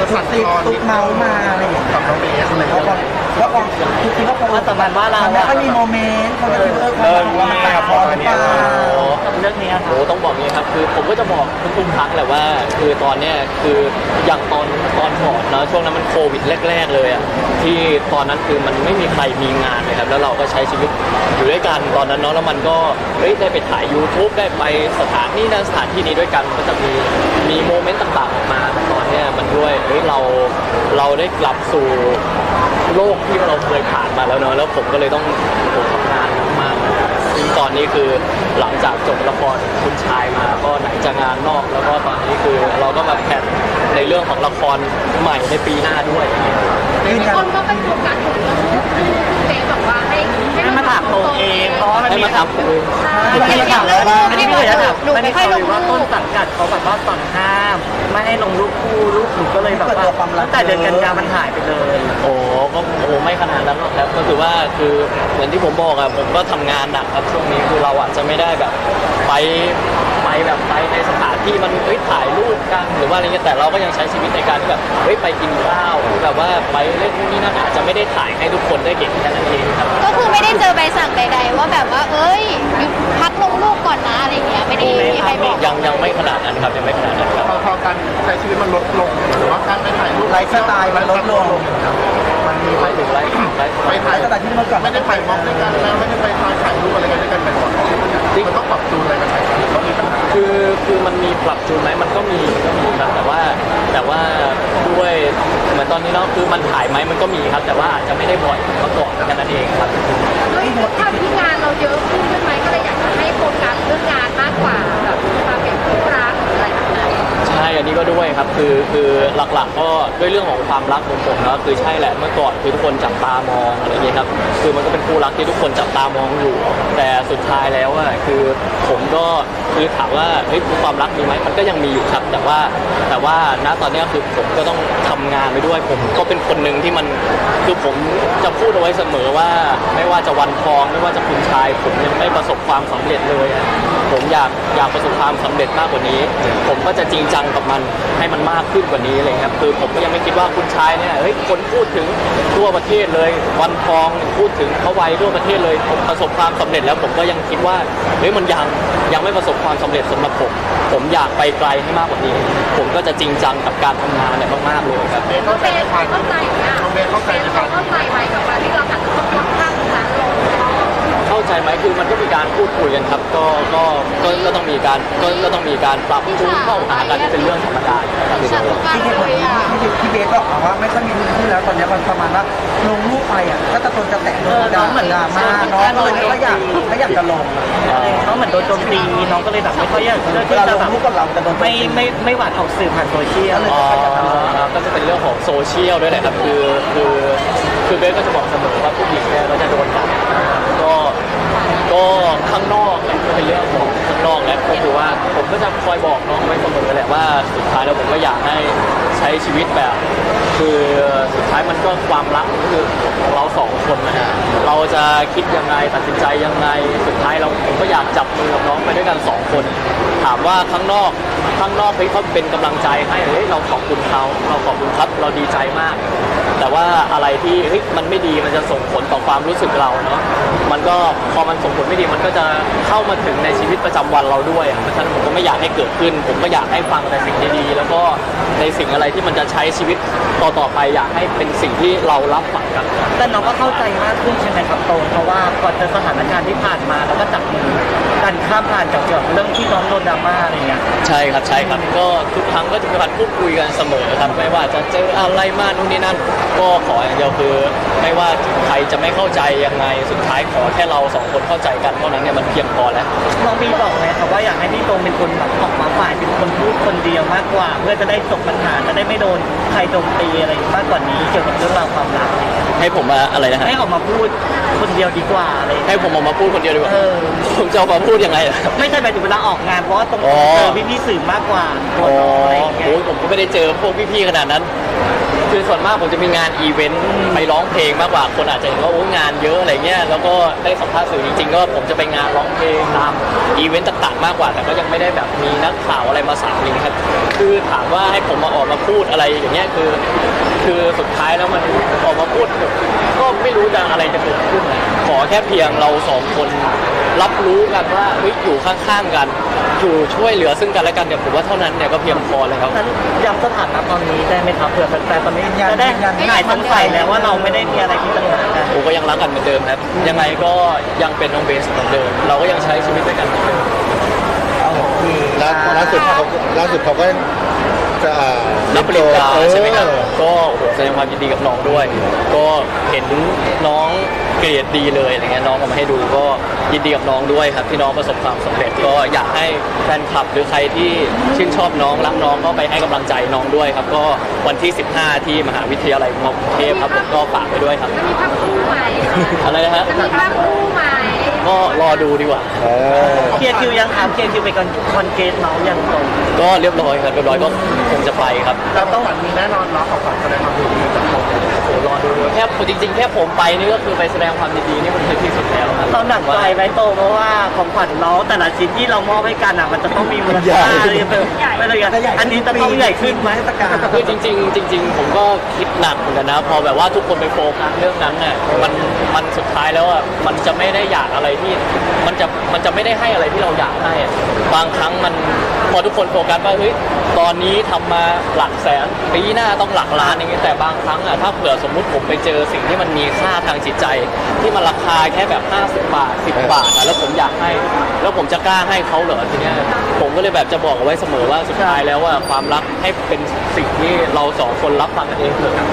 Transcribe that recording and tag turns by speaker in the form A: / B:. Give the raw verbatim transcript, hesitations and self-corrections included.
A: ตุ๊กติ๊กตุ๊กเมาส์มาอะไรอย่างเงี้ย
B: กับน้องเบสอะไร
A: แล้วก็แล้วก็ทุกทีก็คง
C: ว่าประมาณว่าเรา
A: มันไม่ค่อยมีโมเมนต์เขาจะคิดว่าเออความรักมันแตกพอหรือเปล่า
C: กับเรื่องนี้ครับ
D: โอ้ต้องบอกอย่างนี้ครับคือผมก็จะบอกทุกๆครั้งแหละว่าคือตอนเนี้ยคืออย่างตอนตอนก่อนเนาะช่วงนั้นมันโควิดแรกๆเลยอ่ะที่ตอนนั้นคือมันไม่มีใครมีงานเลยครับแล้วเราก็ใช้ชีวิตอยู่ด้วยกันตอนนั้นเนาะแล้วมันก็เฮ้ยได้ไปถ่าย YouTube ได้ไปสถานที่นั้นสถานที่นี้ด้วยกันก็จะมีมีโมเมนต์ต่างๆออกมาแต่ตอนเนี้ยมันด้วยเฮ้ยเราเราได้กลับสู่โลกที่เราเคยผ่านมาแล้วเนาะแล้วผมก็เลยต้องผมทำงานมากๆซึ่งตอนนี้คือหลังจากจบละครคุณชายมาก็ไหนจะงานนอกแล้วก็ตอนนี้คือเราก็มาแพลนในเรื่องของละครใหม่ในปีหน้าด้วย
E: คนก็เป็นโฟกัสอยู่ที่เจ๊บอกว่าให้
C: ให้มาถามตัวเองเพราะว่ามัน
D: ให้
C: มี
D: มาทำ
C: ให้มาถามแล้วว่าไม่ได้บอกว่า
E: หนู
C: ไม่ได้
E: ไม่ค่อยล
C: ข่าว
E: ง
C: ว่า
E: รู
C: ต้น
E: ป
C: สังกัดเขาแบบว่าสั่งห้ามไม่ให้ลงรูปคู่รูปหนูก็เลยแบบว่าตั้งแต่เดือนกันยามันหายไปเลย
D: โอ้ก็โอ้ไม่ขนาดนั้นหรอกครับก็คือว่าคือเหมือนที่ผมบอกอะผมก็ทำงานหนักครับช่วงนี้คือเราอาจจะไม่ได้แบบไปไปแบบไปในสถานที่มันเฮ้ยถ่ายรูปกันหรือว่าอะไรเงี้ยแต่เราก็ยังใช้ชีวิตในการที่แบบเฮ้ยไปกินข้าวหรือแบบว่าไปเล่นนู่นนี่นั่นอาจจะไม่ได้ถ่ายให้ทุกคนได้เห็นแค่นั้นเองครับ
E: ก็คือไม่ได้เจอใบสั่งใดๆว่าแบบว่าเอ้ยหยุดพักลงรูปก่อนนะอะไรเงี้ยไม่ได้มีใครบอก
D: ยังยังไม่ขนาดนั้นครับยังไม่ขนาดนั้นครับ
B: พอพอการใช้ชีวิตมันลดลงหรือว่าการไปถ่ายรูป
A: ไลฟ์สไตล์มันลดลง
B: มันมีไป
D: ไปถึงไลฟ์ไลฟ์
B: ไป
A: ไล
B: ถ่าย
A: ฟ์สไตล์ที่เมื่อก่อน
B: ไม่ได้ถ่ายวอล์กด้วยกันแล้วไม่ได้ไปถ่ายถ่ายรูปอะไรกันด้วยกันบ่อยๆมันต้องปรับจูนอะไรกันไหมต้องมีปัญหา
D: คือคือมันมีปรับจูนไหมมันก็มีมันก็มีครับแต่ว่าแต่ว่าด้วยเหมือนตอนนี้เนาะคือมันถ่ายไหมมันก็มีครับ แต่ว่าอาจจะไม่ได้บ่อยเมื่อก่อนแค่นั้นเองครับ
E: ด้วยทำที่งานเราเยอะขึ้นใช่ไหมก็เลยอยากจะให้โฟกัสเรื่องงานมากกว่าแบบมาเป็นคู่รักหรืออะไรแบบนั้น
D: ใช่อันนี้ก็ด้วยครับคือคือหลักๆก็ด้วยเรื่องของความรักของผมนะคือใช่แหละเมื่อก่อนคือทุกคนจับตามองอะไรอย่างเงี้ยครับคือมันก็เป็นคู่รักที่ทุกคนจับตามองอยู่ แต่สุดท้ายแล้วอะคือผมก็คือถามว่าเฮ้ยความรักมีไหมมันก็ยังมีอยู่ครับแต่ว่าแต่ว่าณตอนเนี้ยคือผมก็ต้องทำงานไปด้วยผมก็เป็นคนหนึ่งที่มันคือผมจะพูดเอาไว้เสมอว่าไม่ว่าจะวันทองไม่ว่าจะคุณชายผมยังไม่ประสบความสำเร็จเลยอะผมอยากอยากประสบความสำเร็จมากกว่านี้ ผมก็จะจริงจังกับมันให้มันมากขึ้นกว่านี้เลยครับคือผมก็ยังไม่คิดว่าคุณชายเนี่ยเฮ้ยคนพูดถึงทั่วประเทศเลย วันทองพูดถึงเขาไว้ทั่วประเทศเลยผมประสบความสำเร็จแล้วผมก็ยังคิดว่าเฮ้ยมันยังยังไม่ประสบความสำเร็จสำหรับผมผมอยากไปไกลให้มากกว่านี้ ผมก็จะจริงจังกับการทำงานเนี่ยมากๆเลยครับ
B: เบสเข้าใจไหมครับ
E: เข้าใจอ่ะ
B: น้องเบสเข้าใจไหมครับ
E: เข้าใจไหมกับการที่เราหันต้องลดข้างนั้นลง
D: เข้าใจไหมคือมันก็มีการพูดคุยกันครับก็ก็ก็ก็ต้องมีการก็ก็ต้องมีการปรับจูนเข้าหากันที่เป็นเรื่องธรรมดาอยู่แล้วครับ
A: ที่เหตุผลที่ที่ที่เบสบอกว่าไม่ค่อยมีรูปคู่แล้วตอนนี้มันประมาณว่าลงรูปไปอ่ะก็ตะโกนจะแตะโดนด่าเหมือนดราม่าน้องก็เลยไม่อยากไม่อยากจะลง
C: เขาเหมือนโดนโจมตีน้องก็เลยแบบไม่ค่อยอยากเลือก
A: เว
C: ที่
A: ลาล
C: จะ
A: ง
C: แบบ
A: รูปกับเราจะโดน
C: ไม่ไม่ไม่หวานออกสื่อผ่านโซเชียล
D: อ๋อก็จะเป็นเรื่องของโซเชียลด้วยแหละครับคือคือคือเบสก็จะบอกเสมอว่าผู้หญิงเนี่ยก็จะโดนด่าก็ก็ข้างนอกเนี่ยก็เป็นเรื่องของข้างนอกและก็คือว่าผมก็จะคอยบอกน้องไว้เสมอแหละว่าสุดท้ายแล้วผมก็อยากให้ใช้ชีวิตแบบ คือสุดท้ายมันก็ความรักก็คือของเราสองคนนะฮะเราจะคิดยังไงตัดสินใจยังไงสุดท้ายเราผมก็อยากจับมือกับน้องไปด้วยกันสองคน ถามว่าข้างนอกข้างนอกเฮ้ยเขาเป็นกำลังใจให้เฮ้ยเราขอบคุณเขาเราขอบคุณครับเราดีใจมาก แต่ว่าอะไรที่เฮ้ยมันไม่ดีมันจะส่งผลต่อความรู้สึกเราเนาะมันก็พอมันส่งผลไม่ดีมันก็จะเข้ามาถึงในชีวิตประจำวันเราด้วยอะเพราะฉะนั้นผมก็ไม่อยากให้เกิดขึ้น ผมก็อยากให้ฟังแต่สิ่งดีๆแล้วก็ในสิ่งอะไรที่มันจะใช้ชีวิตต่อๆไปอยากให้เป็นสิ่งที่เรารับฟังกัน
C: แต่น้องก็เข้าใจมากขึ้นใช่ไหมครับโตนเพราะว่าก่อนเจอสถานการณ์ที่ผ่านมาแล้วก็จับมือกันข้ามผ่านจากเกี่ยวกับเรื่องที่น้องโดนดราม่าอะไรเงี้ย
D: ใช่ครับใช่ครับก็ทุกครั้งก็จะมีการพูดคุยกันเสมอครับไม่ว่าจะเจออะไรมานู่นนี่นั่นก็ขออย่างเดียวคือไม่ว่าใครจะไม่เข้าใจยังไงสุดท้ายขอแค่เราสองคนเข้าใจกันเท่านั้นเนี่ยมันเพียงพอแล้ว
C: น้องบีบอกไหมครับว่าอยากให้พี่โตเป็นคนแบบออกมาฝ่ายเป็นคนพูดคนเดียวมากกว่า เพื่อจะได้จบปัญหาจะได้ไม่โดนใครโจมตีอะไรมากกว่านี้เกี่ยวกับเรื่องราวความรักอะไรเงี้ย
D: ให้ผมมาอะไรนะฮะ
C: ให้ออกมาพูดคนเดียวดีกว่าอะไรเงี้ย
D: ให้ผมออกมาพูดคนเดียวดีกว่า
C: เออ
D: ผมจะออกมาพูดยังไงล่ะ
C: ไม่ใช่หมายถึงเวลาออกงานเพราะว่าตรง
D: อ๋อ
C: เจอพี่พี่ๆสื่อมากกว่าตัว
D: อ๋อ
C: น้องอะไรอย่างเงี้
D: โอ้
C: ย
D: ยผมก็ไม่ได้เจอพวกพี่ๆขนาดนั้น คืคือส่วนมากผมจะมีงานอีเวนต์ไปร้องเพลงมากกว่าคนอาจจะเห็นว่าโอ้งานเยอะอะไรเงี้ยแล้วก็ได้สัมภาษณ์สื่อจริงๆก็ผมจะไปงานร้องเพลงตามอีเวนต์ต่างๆมากกว่าแต่ก็ยังไม่ได้แบบมีนักข่าวอะไรมาสามลิงครับคือถามว่าให้ผมมาออกมาพูดอะไรอย่างเงี้ยคือ คือสุดท้ายแล้วมันออกมาพูดก็ไม่รู้จะอะไรจะเกิดขึ้นนะขอแค่เพียงเราสองคนรับรู้กันว่าเฮ้ยอยู่ข้างๆกันอยู่ช่วยเหลือซึ่งกันและกันเนี่ยผมว่าเท่านั้นเนี่ยก็เพียงพอเลยครับ
C: นั้นย้ำสถานะตอนนี้ได้ไหมครับเผื่อแฟนๆตอนนี้จะได้หายสงสัยแล้วว่าเราไม่ได้มีอะไรที่ปัญหากัน
D: ผมก็ยังรักกันเหมือนเดิมครับยังไงก็ยังเป็นน้องเบสเหมือนเดิม เราก็ยังใช้ชีวิตด้วยกันเหมือนเดิม
A: โอเค
B: ล่าล่าสุดเขาล่าสุดเขาก็จะอ่า
D: รับปริญญา
B: เออ
D: ใช่ไหมครับก็โอ้โหแสดงความยินดีกับน้องด้วย ก็เห็นน้องเกรดดีเลยอะไรเงี้ยน้องเอามาให้ดูก็ยินดีกับน้องด้วยครับที่น้องประสบความสำเร็จก็อยากให้แฟนคลับหรือใครที่ชื่นชอบน้องรักน้องก็ไปให้กำลังใจน้องด้วยครับก็วันที่สิบห้าที่มหาวิทยาลัยมอกรุงเทพครับผมก็ฝากไปด้วยครับ
E: จะมีภาพคู่ไหม
D: อะไรนะฮะ
E: จะมีภาพคู่ไหม
D: ก็รอดูดีกว่า
B: เออ
C: เคลียร์คิวยังครับเคลียร์คิวไปกันคอนเกตน้องยังตรง
D: ก็เรียบร้อยครับเรียบร้อยก็คงจะไปครับ
B: เราต้องหวังมีแน่นอนเนาะของขวัญแสดงความยินดีจากผม
D: โอ้โหรอดูแค่จริง ๆ แค่ผมไปนี่ก็คือไปแสดงความยินดีนี่มันคือที่สุดแล้วครับ
C: เราหนักใจไหมโตเพราะว่าของขวัญน้องแต่ละชิ้นที่เรามอบให้กันอ่ะมันจะต้องมีมูลค่าอะไรเป็นไม่เลยอันนี้จะต้องใหญ่ขึ้นไหม
A: เทศกาล
D: คือจริงๆจริงๆผมก็คิดหนักเหมือนกันนะพอแบบว่าทุกคนไปโฟกัสเรื่องนั้นเนี่ยมันมันสุดท้ายแล้วอ่ะมันจะไม่ได้อยากอะไรที่มันจะมันจะไม่ได้ให้อะไรที่เราอยากให้อะบางครั้งมันพอทุกคนโฟกัสว่าเฮ้ยตอนนี้ทำมาหลักแสนปีหน้าต้องหลักล้านอย่างเงี้ยแต่บางครั้งอ่ะถ้าเผื่อสมมุติผมไปเจอสิ่งที่มันมีค่าทางจิตใจ ที่มันราคาแค่แบบห้าสิบบาทสิบบาทอะแล้วผมอยากให้ แล้วผมจะกล้าให้เขาเหรอทีเนี้ยผมก็เลยแบบจะบอกเอาไว้เสมอว่าสุดท้ายแล้วว่าความรักให้เป็นสิ่งที่เราสองคนรับฟังกันเองเถอะ